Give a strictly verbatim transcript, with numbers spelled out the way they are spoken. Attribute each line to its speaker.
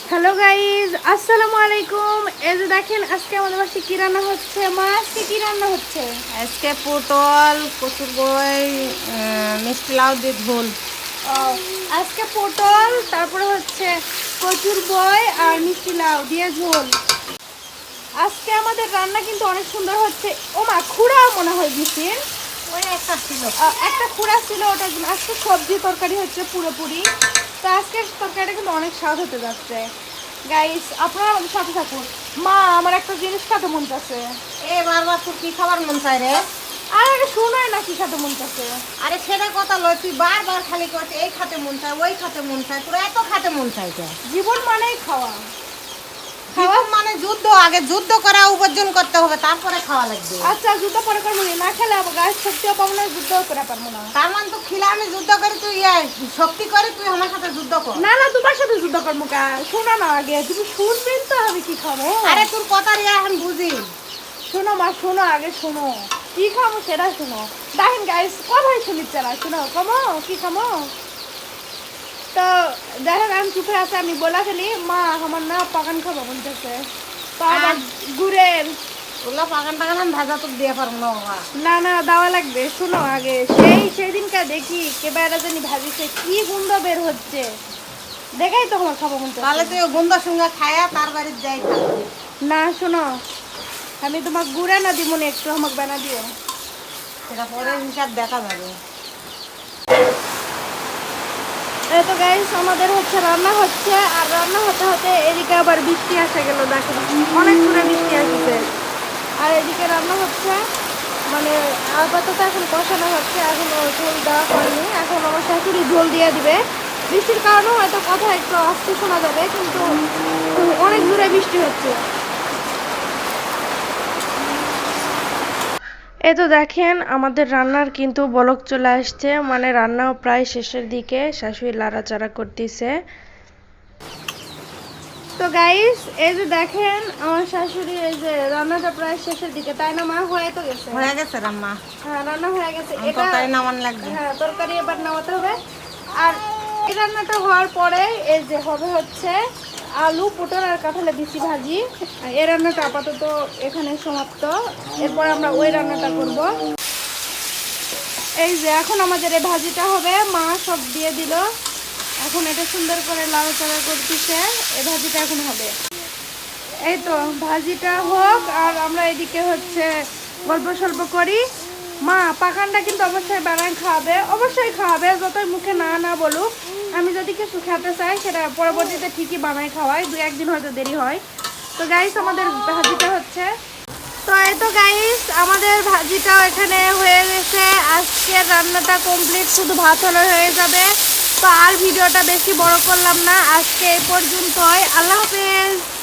Speaker 1: Hello guys, আসসালামু আলাইকুম। এই যে দেখেন আজকে আমাদের বাসায় কি রান্না হচ্ছে। মা আজকে কি রান্না হচ্ছে?
Speaker 2: আজকে পটল কচুর বই মিষ্টি লাউ দিয়ে ঝোল।
Speaker 1: ও, আজকে পটল, তারপরে হচ্ছে কচুর বই আর মিষ্টি লাউ দিয়ে ঝোল। আজকে আমাদের রান্না কিন্তু অনেক সুন্দর হচ্ছে। ও মা, খুঁড়া মনে হয় দিচ্ছেন।
Speaker 2: ওই একটা ছিল,
Speaker 1: একটা খুঁড়া ছিল, ওটার জন্য আজকে সবজি তরকারি হচ্ছে পুরোপুরি। তো আজকে তরকারিটা কিন্তু অনেক স্বাদ হতে যাচ্ছে। গাইস, আপনারা আমাদের সাথে থাকুন। মা, আমার একটা জিনিস খেতে মন চাচ্ছে।
Speaker 2: এ বারবার তোর কি খাবার মন চাই রে?
Speaker 1: আর আগে শোনায় না কি খেতে মন চাচ্ছে।
Speaker 2: আরে সেটা কথা লয়, তুই বারবার খালি করছে এই খাতে মন চায় ওই খাতে মন চায়, তোর এত খাতে মন চাইছে।
Speaker 1: জীবন মানেই খাওয়া।
Speaker 2: খাওয়া মানে যুদ্ধ, আগে যুদ্ধ করা উপার্জন করতে হবে, তারপরে খাওয়া লাগবে।
Speaker 1: আচ্ছা, যুদ্ধ পরে করবো, না খেলে আবার গাছ শক্তিও পাবো না, যুদ্ধও করে পারবো না।
Speaker 2: তার মানে তো খিলা আমি যুদ্ধ করি, তুই ইয়ে শক্তি করে তুই আমার সাথে যুদ্ধ কর।
Speaker 1: না না, তোমার সাথে যুদ্ধ করবো কা? শোনো না, আগে তুমি শুনবেন তো আমি কি খাবো।
Speaker 2: আরে তোর কথা রিয়া এখন বুঝি।
Speaker 1: শোনো মা, শোনো, আগে শোনো কি খাবো সেটা শোনো। দেখেন গাইস, কথাই শুনিচ্ছে না। শোনো, কমো কি খাবো। তো দেখেন আমি চুপে আছে, আমি বলা ফেলি মা আমার না পাকান খাবো বলতেছে। তো আবার গুড়ের
Speaker 2: ওগুলো পাকান টাকান আমি ভাজা তোর দিয়ে পারবো না বাবা।
Speaker 1: না না দেওয়া লাগবে। শোনো, আগে সেই সেদিনকে দেখি কেবারে জানি ভাজিছে, কি গন্ধ বের হচ্ছে, দেখাই তো আমার খাবো মন চাচ্ছে।
Speaker 2: তাহলে তুই গন্ধর সঙ্গে খায়া তার বাড়ির যাই থাকবি।
Speaker 1: না শোনো, আমি তোমার গুড়া না দিব না, একটু আমাকে বানা দিও।
Speaker 2: সেটা পরে হিসাব দেখা যাবে।
Speaker 1: এই তো গাইস, আমাদের হচ্ছে রান্না হচ্ছে, আর রান্না হতে হতে এদিকে আবার বৃষ্টি আসে গেল। দেখেন অনেক দূরে বৃষ্টি আসছে, আর এদিকে রান্না হচ্ছে। মানে আপাতত এখন কষানো হচ্ছে, এখনো ঝোল দেওয়া হয়নি। এখন আমার শাশুড়ি ঝোল দিয়ে দিবে। বৃষ্টির কারণে হয়তো কথা একটু আস্তে শোনা যাবে, কিন্তু অনেক দূরে বৃষ্টি হচ্ছে। এই তো দেখেন আমাদের রান্নার কিন্তু বলক চলে আসছে, মানে রান্নাও প্রায় শেষের দিকে। শাশুড়ি লাড়াচাড়া করতেছে। তো গাইস, এই যে দেখেন আমার শাশুড়ি, এই যে রান্নাটা প্রায় শেষের দিকে, তাই না মা? হয়ে তো গেছে,
Speaker 2: হয়ে গেছে রান্না।
Speaker 1: হ্যাঁ রান্না হয়ে গেছে।
Speaker 2: আমি
Speaker 1: এটা
Speaker 2: তরকারি নামান লাগবে।
Speaker 1: হ্যাঁ, তরকারি এবার নামাতে হবে। আর এই রান্নাটা হওয়ার পরে এই যে হবে হচ্ছে আলু, পটল আর কাঁঠালের বিচি ভাজি। এই রান্নাটা আপাতত এখানে সমাপ্ত। এরপর আমরা ওই রান্নাটা করব। এই যে এখন আমাদের এই ভাজিটা হবে, মা সব দিয়ে দিল। এখন এটা সুন্দর করে লাড়াচাড়া করতেছে। এই ভাজিটা এখন হবে। এই তো ভাজিটা হোক, আর আমরা এদিকে হচ্ছে গল্প সল্প করি। মা পাকানটা কিন্তু অবশ্যই বানায় খাওয়াবে, অবশ্যই খাওয়াবে, যতই মুখে না না বলুক। আমি যদি কিছু খেতে চাই সেটা পরবর্তীতে ঠিকই বানায় খাওয়াই, দু একদিন হয়তো দেরি হয়। তো গাইস, আমাদের ভাজিটা হচ্ছে। তো এই তো গাইস, আমাদের ভাজিটাও এখানে হয়ে গেছে। আজকের রান্নাটা কমপ্লিট, শুধু ভাত হলে হয়ে যাবে। তো আর ভিডিওটা বেশি বড় করলাম না, আজকে এই পর্যন্তই। আল্লাহ হাফেজ।